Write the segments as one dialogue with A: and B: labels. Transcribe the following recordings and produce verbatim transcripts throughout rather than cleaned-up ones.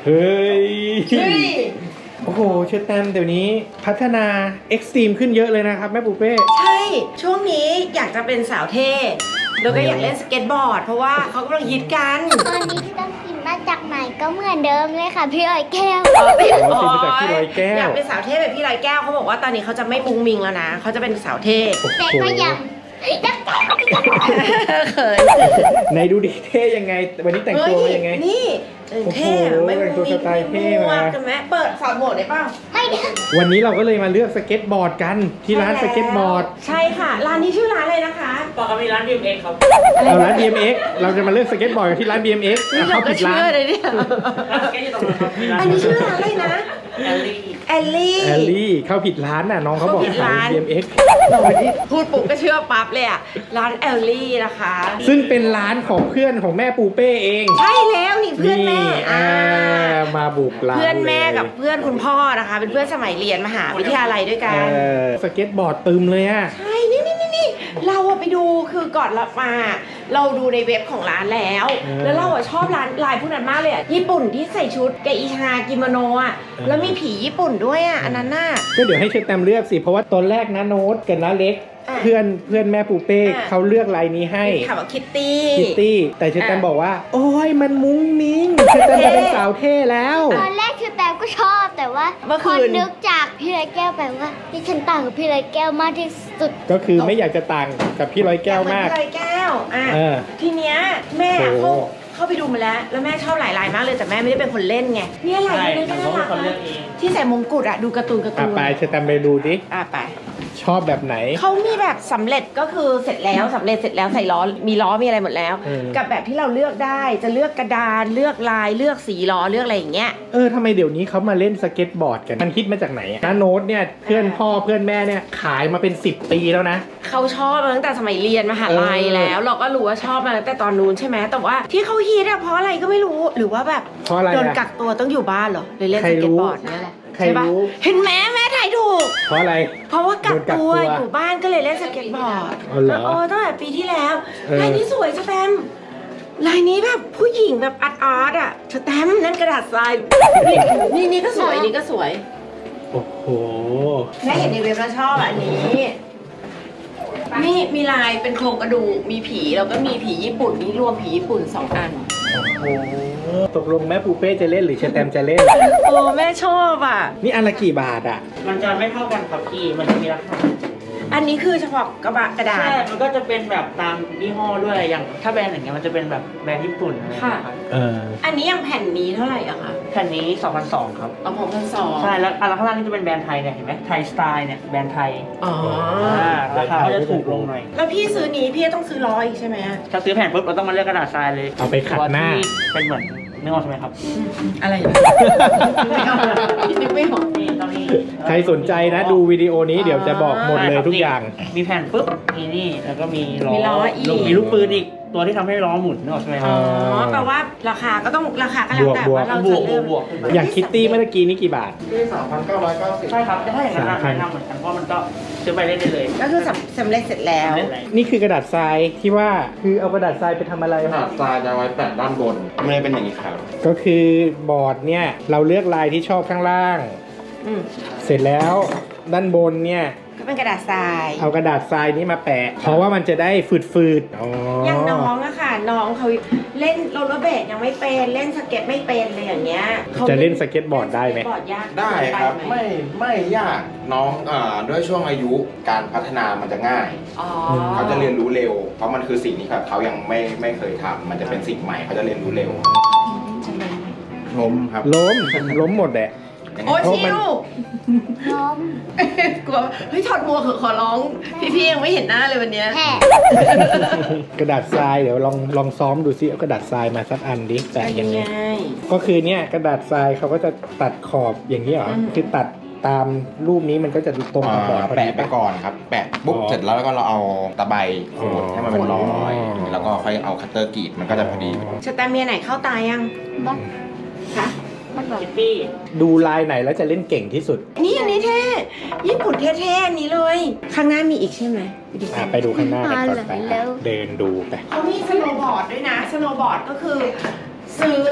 A: เฮ้ย
B: เฮ้ย
A: โอ้โหเชอร์แตมเดี๋ยวนี้พัฒนาเอ็กซ์ตรีมขึ้นเยอะเลยนะครับแม่ปูเป้
B: ใช่ ช่วงนี้อยากจะเป็นสาวเท่แล้วก็อยากเล่นสเก็ตบอร์ดเพราะว่าเขากำลังฮิตกัน
C: ตอนนี้ที่ต้องกินมาจากไหนก็เหมือนเดิมเลยค่ะพี่อ้อยแก้ว
B: อ๋อเป็น
A: อ๋อเป็นมาจากพี่ร้อยแก้ว
B: อยากเป็นสาวเท่แบบพี่ร้อยแก้วเขาบอกว่าตอนนี้เขาจะไม่มุงมิงแล้วนะเขาจะเป็นสาวเท่
C: แต่ก็ยังยัง
B: เขิน
A: ไหนดูดิเท่ยังไง วันนี้แต่งตัวมายังไง
B: นี่เออเท่
A: โอ้โห
B: ไม่มุง
A: แต่งตัว
B: มิ
A: ส
B: ง
A: ไตล์เท่
B: ไม่
A: มา
B: มั่วกันไหมเปิดสอนโหมดได้ป่ะ
C: ไม่ได้
A: วันนี้เราก็เลยมาเลือกสเก็ตบอร์ดกันที่ร้านสเก็ตบอร์ด
B: ใช่ค่ะร้านนี้ชื่อร้านอะไรนะคะ
D: บอกเขามีร้าน บี เอ็ม เอ็กซ์ ครับ
A: เอาร้าน บี เอ็ม เอ็กซ์ เราจะมาเลือกสเก็ตบอร์ดกันที่ร้าน บี เอ็ม เอ็กซ์
B: นี่เรา
A: เข้า
B: ก็
A: ผิดร้า
B: เชื่อน เลยเนี่ย
D: ร้านสเก็ตอยู่ตรงนั้นครับมีร้าน
B: อันนี้ชื่อร้านอะไรนะ
D: แอลลี่
B: แอลลี่
A: แอลลี่เข้าผิดร้านน่ะน้องเขาบอก
B: เข้าผิด
A: ขาย
B: ร้าน
A: บี เอ็ม เอ็กซ์
B: พูดปุ๊บก็เชื่อปั๊บเลยอ่ะร้านแอลลี่นะคะ
A: ซึ่งเป็นร้านของเพื่อนของแม่ปูเป้เอง
B: ใช่แล้วนี่เพื่อนแม่
A: อ่ามาบุกร้าน
B: เพื่อนแม่กับ
A: ลย
B: เพื่อนคุณพ่อนะคะ เป็นเพื่อนสมัยเรียนมหาวิทยาลัยด้วยกัน
A: เออสเก็ตบอร์ดตึมเลยอ่ะ
B: ใช่ นี่นี่นี่นี่เราอะไปดูคือก่อนเรามา เราดูในเว็บของร้านแล้ว
A: เออ
B: แล้วเราอะชอบร้านลายพวกนั้นมากเลยอะญี่ปุ่นที่ใส่ชุดกับอิชากิโมโนอะ
A: เออ
B: แล้วมีผีญี่ปุ่นด้วยอะอันนั้นน่ะ
A: ก็เดี๋ยวให้เชฟแตมเลือกสิ เพราะว่าตอนแรกนะโน้ตกับน้าเล็ก
B: อ่ะ
A: เพื่อนเพื่อนแม่ปูเป้
B: อ่ะ
A: เขาเลือกลายนี้ให้
B: ถามว่าคิตตี้
A: คิตตี้แต่เชฟแตม
B: อ่ะ
A: บอกว่า โอ้ยมันมุ้งมิ้งเชฟแตมจะเป็นสาวเท่แล้ว
C: ตอนแรกคือแตมก็ชอบแต่ว่า
B: เมื่อ
C: พ
B: คื
C: อน นึกจากพี่ร้อยแก้วไปว่าที่ฉันต่างกับพี่ร้อยแก้วมากที่สุด
A: ก็คือไม่อยากจะต่างกับพี่ร้อยแก้วมาก
B: อยเหอนพี่ลอยแก้วอ่ะ
A: เออ
B: ทีเนี้ยแม่
A: โอ้
B: เขาเข้าไปดูมาแล้ว แล้วแม่ชอบหลายลายมากเลยแต่แม่ไม่ได้เป็นคนเล่นไงเนี่ยลาย
D: ใช่
B: นี้ก็
D: ผม
B: น่า
D: ก็
B: รั
D: เป็น
B: ก
D: คนเลือกเอง
B: ที่ใส่มงกุฎอะดูการ์ตูนการ์
A: อ่ะ
B: ตูน
A: ไปเชฟแตมไปดูดิ
B: อ่ะไป
A: ชอบแบบไหน
B: เขามีแบบสำเร็จก็คือเสร็จแล้วสำเร็จเสร็จแล้วใส่ล้อมีล้อมีอะไรหมดแล้ว
A: เออ
B: กับแบบที่เราเลือกได้จะเลือกกระดานเลือกลายเลือกสีล้อเลือกอะไรอย่างเงี้ย
A: เออทำไมเดี๋ยวนี้เขามาเล่นสเก็ตบอร์ดกัน มันคิดมาจากไหนอะน้าโน้ตเนี่ยเพื่อนพ่อเพื่อนแม่เนี่ยขายมาเป็นสิบปีแล้วนะ
B: เขาชอบมาตั้งแต่สมัยเรียนมหาลัย
A: เออ
B: แล้ว เราก็รู้ว่าชอบมาตั้งแต่ตอนนู้นใช่ไหมแต่ว่าที่เขาฮิตอะเพราะอะไรก็ไม่รู้หรือว่าแบบ
A: เพราะอะไร
B: โดน
A: อะ
B: กักตัวต้องอยู่บ้านเหรอเลยเล่น
A: ใคร
B: ส
A: รู้
B: เก็ตบอร์ดนี่แหละ
A: ใคร
B: ใช่ปะ
A: รู้
B: เห็นไหมแม่ถ่ายถูก
A: เพราะอะไร
B: เพราะว่ากักตัว
A: โดนกักตัว
B: อยู่บ้านก็เลยเล่นสเก็ตบอร์ด
A: อ๋อเหรอ
B: เออตั้งแต่ปีที่แล้ว
A: เออ
B: ลายนี้สวยสแตมป์ลายนี้แบบผู้หญิงแบบอาร์ตอาร์ตอะสแตมป์นั่นกระดาษทรายนี่นี่นี่ก็สวยนี่ก็สวย
A: โอ้โห
B: แม่เห็นในเว็บแล้วชอบอะอันนี้นี่มีลายเป็นโครงกระดูกมีผีแล้วก็มีผีญี่ปุ่นนี่รวมผีญี่ปุ่นสองอัน
A: โอ้โหตกลงแม่ปูเป้จะเล่นหรือเชฟแตมจะเล่น
B: โอ้แม่ชอบอ่ะ
A: นี่อันละกี่บาทอ่ะ
D: มันจะไม่เท่ากันครับพี่ มันจะมีราคา
B: อันนี้คือเฉพาะกระบะกระดาษ
D: ใช่ มันก็จะเป็นแบบตามยี่ห้อด้วย อย่างถ้าแบรนด์อย่างเงี้ยมันจะเป็นแบบแบรนด์ญี่ปุ่นอะไรอย่างเงี้ยครับ
A: เออ
B: อันนี้ยังแผ่นนี้เท่าไหร่อะคะ
D: แผ่นนี้สองพันสองครับ
B: เอาผมพันสอง
D: ใช่ แล้วอันข้างล่างนี่จะเป็นแบรนด์ไทยเนี่ยเห็นไหมไทยสไตล์เนี่ยแบรนด์ไทย
B: อ๋อ
D: อ่าราคาก็จะถูกลงหน่อย
B: แล้วพี่ซื้อนี้พี่ต้องซื้อร้อยอีกใช่ไหมอะ
D: ถ้าซื้อแผ่นปุ๊บเราต้องมาเลือกกระดาษทรายเลย
A: เอาไปขัดหน้า
D: ตัวที่เป็นเหมือนนึกออกใช่ไหมครับ
B: อะไรนะไม่ออกนึกไม่ออก
D: นี่ตอนนี้
A: ใครสนใจนะดูวิดีโอนี้เดี๋ยวจะบอกหมดเลยทุกอย่าง
D: มีแผ่นปุ๊บมีนี่แล้วก็มีล้อ
B: มีล้ออีก
D: มีลูกปืนอีกตัวที่ทำให้ล้อหมุนนึกออกใช่ไหมค
B: อ๋
D: รั
B: อบ แปลว่าราคาก็ต้องราคาก็แล้วแต่
A: บวก
B: ว่าเรา
D: บ
B: จะ
D: วกบ
B: เลื
D: ว
B: อก
D: กบวก
A: อย่างคิตตี้เมื่อกี้นี้กี่บาท
E: ที่สามพันเก้าร้อยเก้าสิบ
D: ใช่ครับแต่ถ้าอย่างนั้นอะ
A: สามพัน
D: แนะนำเหมือนกันเพราะมันก็ซื้อไปเล่นได้เลย
B: ก็คือสำสำเร็จเสร็จแล้ว
D: เล่นอะไร
A: นี่คือกระดาษทรายที่ว่าคือเอากระดาษทรายไปทำอะไร
E: ขนาดทรายจะไว้แปะด้านบนไม่ได้เป็นอย่างนี้ครับ
A: ก็คือบอร์ดเนี่ยเราเลือกลายที่ชอบข้างล่าง
B: อืม
A: เสร็จแล้วด้านบนเนี่ย
B: ก็เป็นกระดาษทราย
A: เอากระดาษทรายนี้มาแปะ เพราะว่ามันจะได้ฝืดๆอ๋อ
B: อย่างน้องอะค่ะ น้องเขาเล่นโรลเลอร์เบลดยังไม่เป็นเล่นสเก็ตไม่เป็นเลยอย่างเงี้ยขา
A: จะเล่นสเก็ตบอร์ดได้ไหม
B: สเก็ตบอร์ดยาก
E: ได้ครับ
B: ปห
E: ไม่ไม่ยากน้องอ่าด้วยช่วงอายุการพัฒนามันจะง่าย
B: อ๋อ
E: เขาจะเรียนรู้เร็ว เพราะมันคือสิ่งที่แบบเขายังไม่ไม่เคยทำมันจะเป็นสิ่งใหม่เขาจะเรียนรู้เร็วล้มครับ
A: ล้มล้มหมดแหละ
B: โอ้ย
A: เพราะ
B: ชิ
A: มัน
B: ว
C: ล้ม
B: กลัวเฮ้ยถอดหมวกเถอะขอร้อง พี่ๆยังไม่เห็นหน้าเลยวันเนี้ย
C: แห่
A: กระดาษทรายเดี๋ยวลองลองซ้อมดูซิเอากระดาษทรายมาสักอันดิแปะยังไง
B: ไง
A: ก็คือเนี่ยกระดาษทรายเขาก็จะตัดขอบอย่างนี้เหรอ
B: อืม
A: คือตัดตามรูปนี้มันก็จะตรงกับบอร์ดพอดี
E: แปะไป
A: ปะ
E: ก่อนครับ แปะปุ๊บ
A: อ๋อ
E: เสร็จแล้วก็เราเอาตะไบขูด
A: อ๋อ
E: ให้มันเป็นรอย
A: อ๋อ
E: แล้วก็ค่อยเอาคัตเตอร์กรีดมันก็จะพอดี
B: สแตมเมียไหนเข้าตายัง
C: บ้าง
B: คะ
C: บ้างแบบ
D: คิตตี้
A: ดูลายไหนแล้วจะเล่นเก่งที่สุด
B: นี่อันนี้เท่ญี่ปุ่นเท่ๆอันนี้เลย ข้างหน้ามีอีกใช่ไหมไปดู
A: อ่ะไปดูข้างหน้ากันก่อนไป
C: แล้ว
A: เดินดูไป
B: เขามีสโนว์บอร์ดด้วยนะสโนว์บอร์ดก็คือ ซื้อ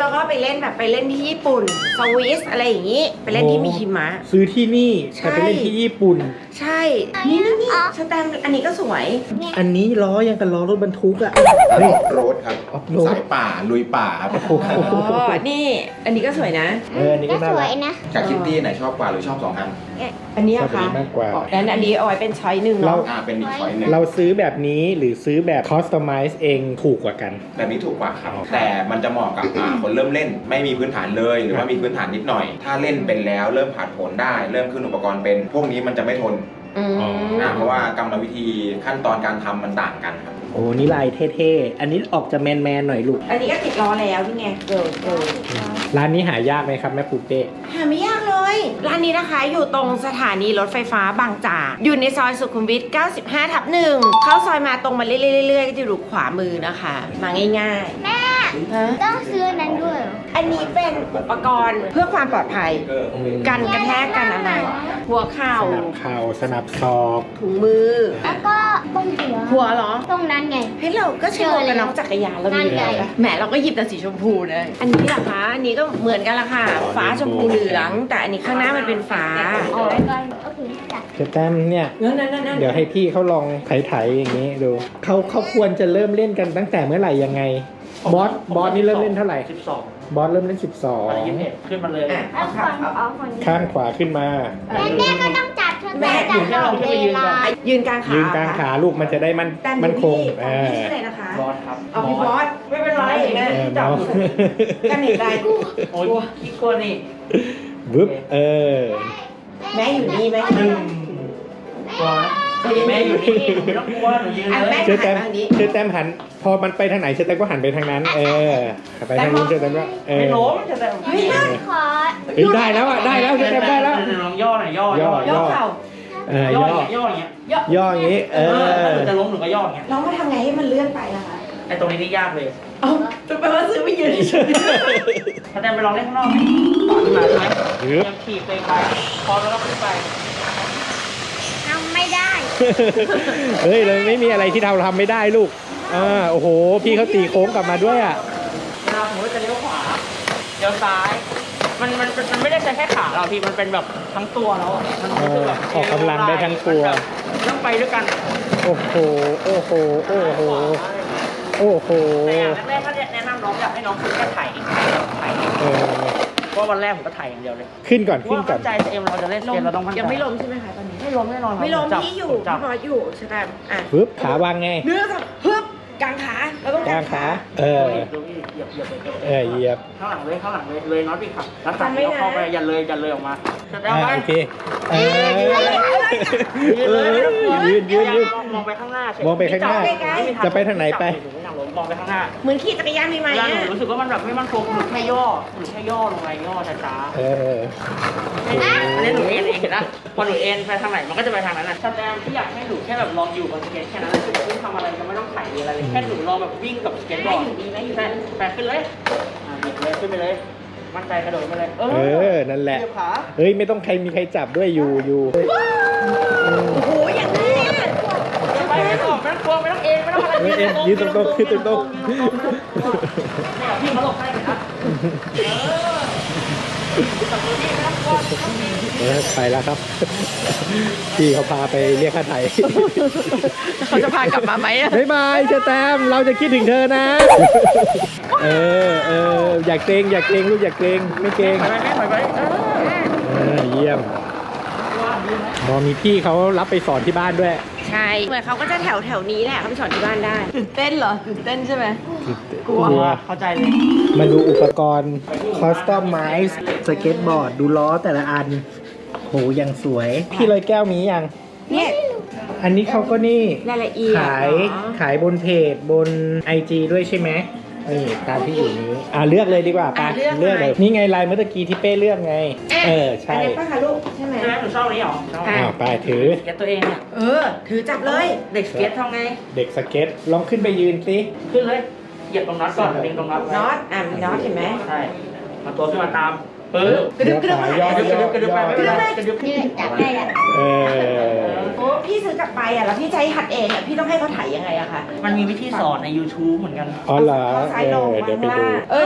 B: แล้วก็ไปเล่นแบบไปเล่นที่ญี่ปุ่นสวิสอะไรอย่างนี้ไปเล่นที่มีหิมะ
A: ซื้อที่นี่
B: ใช่
A: แต่ไปเล่นที่ญี่ปุ่น
B: ใช่ นี่นี่นี่สแตมป์อันนี้ก็สวย
A: อันนี้ล้อยังกับล้อรถบรรทุกอะ
E: ออฟโรดครับ
A: ออฟโรด
E: สายป่าลุยป่าครับ
A: โอ้โห
B: อ๋อ นี่ อันนี้ก็สวยนะ
A: เอออันนี้ก็
C: ก็
A: น่า
C: สว
A: รั
C: ย
A: ก
C: นะ
E: กับคิตตี้ไหนชอบกว่าหรือชอบสองอัน
B: อันนี้
A: ชอบ
B: อะ
A: อัน
B: คะ
A: นี้มากกว่า
B: งั้นอันนี้เอาไว้เป็นช้อยหนึ่ง
A: เรา
B: เนาะ
E: อ่าเป็นอีกช้อยหนึ่ง
A: เราซื้อแบบนี้หรือซื้อแบบคอสตอมไมซ์เองถูกกว่ากัน
E: แบบนี้ถูกกว่าครับ แต่มันจะเหมาะกับอ่าคนเริ่มเล่น ไม่มีพื้นฐานเลย หรือว่ามีพื้นฐานนิดหน่อย ถ้าเล่นเป็นแล้วเริ่มผ่านผลได้ เริ่มขึ้นอุปกรณ์เป็น พวกนี้มันจะไม่ทน
B: อืม
E: อ่าเพราะว่ากรรมวิธีขั้นตอนการทำมันต่างกันครับ
A: โอ้นี่ลายเท่ๆ อันนี้ออกจะแมนๆหน่อยลูก
B: อันนี้ก็ติดล้อแล้วนี่ไงเกิร์ลเกิร์ล
A: ร้านนี้หายากไหมครับแม่ปูเป้
B: หาไม่ยากเลย ร้านนี้นะคะอยู่ตรงสถานีรถไฟฟ้าบางจาก อยู่ในซอยสุขุมวิท เก้าสิบห้า ทับหนึ่ง เข้าซอยมาตรงมาเรื่อยๆๆก็จะอยู่ขวามือนะคะ มาง่ายๆ
C: แม่
B: ฮะ
C: ต้องซื้ออันนั้นด้วยเหรอ
B: อันนี้เป็นอุปกรณ์เพื่อความปลอดภัย กันกระแทกกันอะไร หัวเข่า
A: สนับเข่าสนับศอก
B: ถุงมือ
C: แล้วก็ตรงหัว
B: หัวเหรอ
C: ตรงนั้นไง
B: เฮ้ยเราก็ใช้หมวกกันน็อกจักรยานเรามี
C: นั่นไง
B: แล้วแหมเราก็หยิบแต่สีชมพูนะอันนี้ล่ะคะอันนี้ก็เหมือนกันละค่ะ ฟ้าชมพูเหลือง แต่อันนี้ข้างหน้ามันเป็นฟ้า
C: อ๋อโอเคจ้ะ
A: เจะแต้มเนี่ย
B: นั่นนั่นนั่น
A: เดี๋ยวให้พี่เขาลองไถๆอย่างนี้ดูเขาเขาควรจะเริ่มเล่นกันตั้งแต่เมื่อไหร่ยังไง บอสบอสนี่เริ่มเล่นเท่าไหร่
D: สิบสอง
A: บอสเริ่มเล่นสิบสอง
D: อะไรยี่สิบเอ็ดขึ้นมาเลย
B: อ่ะ
C: เอาคนเอาคนนี้
A: ข้างขวาขึ้นมา
C: แม่แม่ก็ต้องจับเธอ
B: แม่
C: จับตลอดเวลา
B: ยืนกลางขา
A: ยืนกลางขาลูกมันจะได้มัน
B: แต่
A: มันคง
B: พี่
A: เอ
B: พี่
A: อ
B: ชื่ออะไรนะคะ
D: บอสครับ
B: เอาพี่บอสไม่เป็นไรแม่
A: เออ
B: จับ
A: เมา
B: กันเห็นไร
D: โอ้ยขี้กลัวนี่
A: บึ๊บเออ
B: แม่อยู่นี่ไหม
D: หนึ่งกลัวนะแม่อยู่นี่หนูไม่ต้องกลัวหนูยืน
B: อ่ะ
D: เล
B: แม่
D: ย
A: เชื่อแต้ม
B: หันทางนี้
A: เชื่อแต้มหัน พอมันไปทางไหนเชื่อแต้มก็หันไปทางนั้น เออไปทางนู้นเชื่อแต้มก็เอ
D: ไม่
A: อ
D: ล้มจะแต่
B: เฮ้ยได้
C: ขอ
A: เฮ้ยได้แล้วอ่ะได้แล้วเชื่อแต้มได้แล้ว
D: ลองย่อหน่อยย่อย่
B: ย่อเข่า
A: เออย่
D: ย่
A: อ
D: อย่ออย่างเงี้ย
B: ย่อย่
A: ออย่างนี้ เอ
D: เออถ้าห
A: อ
D: นูจะล้มหนูก็ย่ออย่างเงี้ย
B: เรามาทำไงให้มันเลื่อนไปล่ะคะ
D: ไอ้ตรงนี้นี่ยากเลย
B: เอาจะแปลว่าซื้อไม่ยืนเฉย
D: ถ้าแต่ไปลองเล่นข้างนอกไหมต่อขึ้นมาใช่ไหม
A: หรือ
D: ยังขี่ไปไปพอแล้วก็ขึ้นไป
C: ทำไม่ได้
A: เฮ้ยเลยไม่มีอะไรที่เราทำไม่ได้ลูก อ่า โอ้โห พี่เขาตีโค้งกลับมาด้วยอ่ะ
D: เวลาผมจะเลี้ยวขวาเลี้ยวซ้าย มันมันมันไม่ได้ใช้แค่ขาเราพี่มันเป็นแบบทั้งตัวแล้วอะมันรู้สึกแบบ
A: เออออกกำลังได้ทั้งตัว
D: มันแบบต้องไปด้วยกัน
A: โอ้โห โอ้โห โอ้โห โอ้โห
D: แต่อย่างแรกๆถ้าแนะนำน้องอยากให้น้องฝึกแค่ไถ่ไถ่
A: เออ
D: เพราะวันแรกผมก็ไถ่อย่างเดียวเลย
A: ขึ้นก่อน
D: เพ
A: ขึ้
D: ราะ
A: น
D: ว่า
A: ก่อ
D: มั่
A: น
D: นใจเอ็มเราจะเล่นเกมเราต้องมั่นใจ
B: ยังไม่ล้มใช่ไหมคะตอนนี้
D: ไม่ล้มแน่นอนครับ
B: ไม่ล้ม
D: ผจับ
B: พี่อยู่
D: ผมจับ
B: พี่บอสอยู่ใช่ไหมอ่ะ
A: ปึ๊บ ขาวางไง
B: เนื้อกับฮึบกลางขาเราต้อง
A: กลางขา เออ
D: ดูพี่เหยียบเหยียบเหยียบ
A: เออเหยียบ
D: ข้างหลังเลยข้างหลังเลยเลยน็อตพี่ขับแล้วขับเลี้ยวเข้าไปอย่าเลยอย่าเลยออกมาจะได้
A: อ่า
D: ไหม
A: โอเค เออ
D: ยืนเลยไม่ต้องกลัว
A: ยืนยืนยืน
D: มองมองไปข้างหน้าเฉย
A: มองไปข้างหน้า
D: ม่มีท
A: จะไปทางไหนไป
D: จับอยู่ไม่อยากล้มมองไปข้างหน้า
B: เหมือนขี่จักรยานมีไหม
D: เวลาหนู
B: อ่ะ
D: รู้สึกว่ามันแบบไม่มั่นคงหนูแค่ย่อหนูแค่ย่อลงไปย่อช้า
A: เออ
D: ๆอันนี้หนูเอ็นเองเห็นนะพอหนูเอ็นไปทางไหนมันก็จะไปทางนั้นนะแสดงที่อยากให้หนูแค่แบบลองอยู่บนสเก็ตแค่นั้นคือไม่ทำอะไรก็ไม่ต้องไถ่ายอะไรเลยแค่หนูลองแบบวิ่งกับสเก็ตบอร์ดใช่แปะขึ้นเลยอ่าบิดเลยขึ้นไปเลย มั่นใจกระโดดไปเลย เอ
A: เออ นั่นแหละ
D: เหยียบขา
A: เฮ้ย ไม่ต้องใครมีใครจับด้วยอยู่อยู่
B: โอ้โหอย่างนี้อ่ะ
D: ไปไม่ต้องไม่ต้องกลัวไม่ต้องเอ็นไม่ต้องอะไร
A: เอ็นยืนตรงๆยืนตรงๆ
D: เนี่ยพี่มาหลบให้เห็นนะเออจับมือพี่ไม่ต้องกลัวไม่ต้องเอ็น
A: เออไปแล้วครับ พี่เขาพาไปเรียกค่าไถ่
B: เขาจะพากลับมาไหมอ่ะ
A: บ๊ายบายเชอแตมเราจะคิดถึงเธอนะ เออเอออยากเกรงอยากเกรงลูกอยากเกรงไม่เกรง
D: ถอยไปถอยไปเออ
A: เออเยี่ยมมอมีพี่เขารับไปสอนที่บ้านด้วย
B: ใช่เหมือนเขาก็จะแถวแถวนี้แหละเขาไปสอนที่บ้านได้ตื่นเต้นเหรอตื่นเต้นใช่ไหม กลัว
A: กลัว
D: เข้าใจเลย
A: มาดูอุปกรณ์คอสตอมไมซ์สเก็ตบอร์ดดูล้อแต่ละอันโหยังสวย พี่ลอยแก้วมียัง
B: เนี่ย
A: อันนี้เขาก็นี่
B: รายละเอียด
A: ขาย
B: เนอะ
A: ขายบนเพจบน ไอ จี ด้วยใช่ไหมนี่ตามที่อยู่นี้ อ่าเลือกเลยดีกว่าไป
B: อ่ะเลือก
A: เลือกเลย
B: เลย
A: นี่ไงลายเมื่อกี้ที่เป้เลือกไง เออ
B: อัน
A: ใช่
B: นี้ป้าคะลูกใช่ไหม
D: ใช่ไหมหนูชอบอันนี้เหรอชอบ
B: อ่ะ
A: อ้าวไปถือ
D: สเก็ตตัวเองเนี่ย
B: เออ ถือจับเลย
D: เด็กสเก็ตทำไง
A: เด็กสเก็ตลองขึ้นไปยืนสิ
D: ขึ้นเลย เหยียบตรงน็อตก่อนดึงตรงน็อตไว้
B: น็อตอ่ะมีน็อตเห็นไหม
D: ใช่มาตัวขึ้นมาตามปึ๊บ
B: กระดึ๊บกระดึ๊บ
A: ย่อก
D: ระดึบกระดึบกระดึบไปไม่เป็นไรกระดึบ
C: เนี่ยจับได้แล้ว
A: เออ
B: โอ้พี่ซื้อกลับไปอ่ะแล้วพี่ใช้หัดเองอ่ะพี่ต้องให้เขาถ่ายยังไงอะคะ
D: มันมีวิธีสอนใน YouTube เหมือนกัน
A: อ๋อเหรอ
B: เขาซ้าย
A: เอ
B: ลง
A: อเดี๋ยวไปดู
B: เออเออ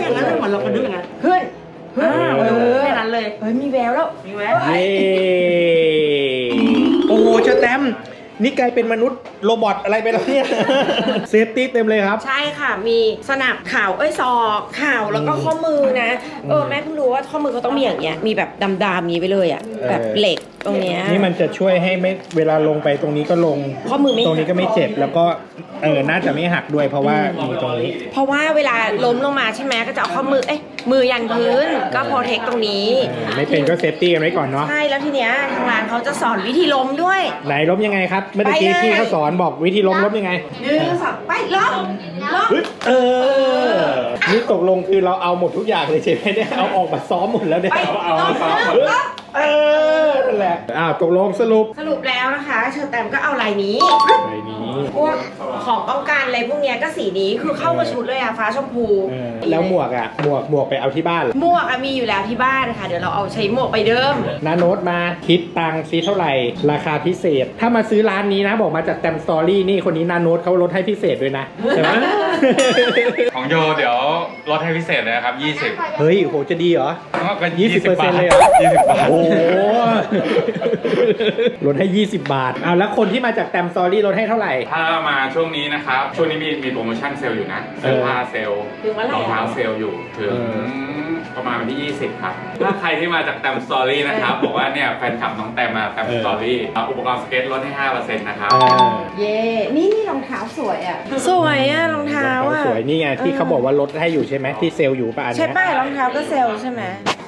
D: อย่างนั้นเลยเหมือนเรากระดึ๊บอย่างนั้น
B: ขึ้นขึ้น
D: อ่า
B: เออ
D: แค่นั้นเลย
B: เฮ้ยมีแววแล้ว
D: มีแวว
A: เย้โอ้โหเชอแตมนี่กลายเป็นมนุษย์โรบอทอะไรไปแล้วเนี่ย เซฟตี้เต็มเลยครับ
B: ใช่ค่ะ มีสนับเข่าเอ้ยศอกเข่าแล้วก็ข้อมือนะ เออแม่เพิ่งรู้ว่าข้อมือเขาต้องมีอย่างเงี้ย มีแบบดำๆนี้ไปเลยอ่ะ แบบเหล็กตรงเนี้ย
A: นี่มันจะช่วยให้ไม่เวลาลงไปตรงนี้ก็ลง
B: ข้อมือไม่
A: ตรงนี้ก็ไม่เจ็บแล้วก็เออน่าจะไม่หักด้วยเพราะว่ามีตรงนี้
B: เพราะว่าเวลาล้มลงมาใช่ไหมก็จะเอาข้อมือ เอ้ยมือยันพื้นก็โปรเทคตรงนี้
A: เออไม่เป็นก็เซฟตี้กันไว้ก่อนเนาะ
B: ใช่ แล้วทีเนี้ยทางร้านเขาจะสอนวิธีล้มด้วย
A: ไหนล้มยังไงครับเมื่อกี้
B: ไปเลย
A: พี่เขาสอนบอกวิธีล้มล้มยังไง
B: หนึ่งสองไปล้มล้ม
A: ปึ๊บเออ นี่ตกลงคือเราเอาหมดทุกอย่างเลยใช่ไหมเนี่ยเอาออกมาซ้อมหมดแล้วเนี่ย
B: ไป
A: เอา
B: ล้
A: เอา
B: ม
A: ซ้อมหมด
B: ล้ม
A: เออนั่นแหละอ้าวตกลงสรุป
B: สรุปแล้วนะคะเชอร์แตมก็เอาลายนี้
A: ไปนี้
B: พวกของป้องกันอะไรพวกเนี้ยก็สีนี้คือเข้ากับชุดเลยอะฟ้าชมพู
A: เออแล้วหมวกอ่ะหมวกหมวกไปเอาที่บ้านเหรอ
B: หมวกอะมีอยู่แล้วที่บ้านค่ะ เดี๋ยวเราเอาใช้หมวกไปเดิม
A: นาโน้ตมาคิดตังค์ซีเท่าไหร่ ราคาพิเศษ ถ้ามาซื้อร้านนี้นะ บอกมาจากแตมสตอรี่นี่คนนี้นาโน้ตเขาลดให้พิเศษด้วยนะใช่ไหม
F: ของโยเดี๋ยวลดให้พิเศษเลยนะครับ ยี่สิบ
A: เฮ้ยโหจะดีเหรอ
F: ก็
A: ยี่สิบเปอร์เซ็นต์เลยเหรอ
F: ยี่สิบบาท
A: โอ้โหลดให้ยี่สิบบาทเอาแล้วคนที่มาจากแตมสตอรี่ลดให้เท่าไหร่
F: ถ้ามาช่วงนี้นะครับ ช่วงนี้มีมีโปรโมชั่นเซลล์อยู่นะเสื้อผ้าเซลล์
B: ถึงวันไหน
F: รองเท้าเซลล์อยู่ถึง
A: เออ
F: ประมาณวันที่ ยี่สิบ ครับ ถ้าใครที่มาจากแตมสตอรี่นะครับ บอกว่าเนี่ยแฟนคลับน้องแตมมาแตมสตอรี่อุปกรณ์สเก็ตลดให้ ห้าเปอร์เซ็นต์ นะครับ
A: เออ
B: เย่นี่นี่รองเท้าสวยอะสวยอะรองเท้าอะ
A: สวยนี่ไงที่เขาบอกว่าลดให้อยู่ใช่ไหมที่เซลล์อยู่ป่ะอัน
B: ใช่
A: เนี้ย
B: ป้ายรองเท้าก็เซลล์ใช่ไหม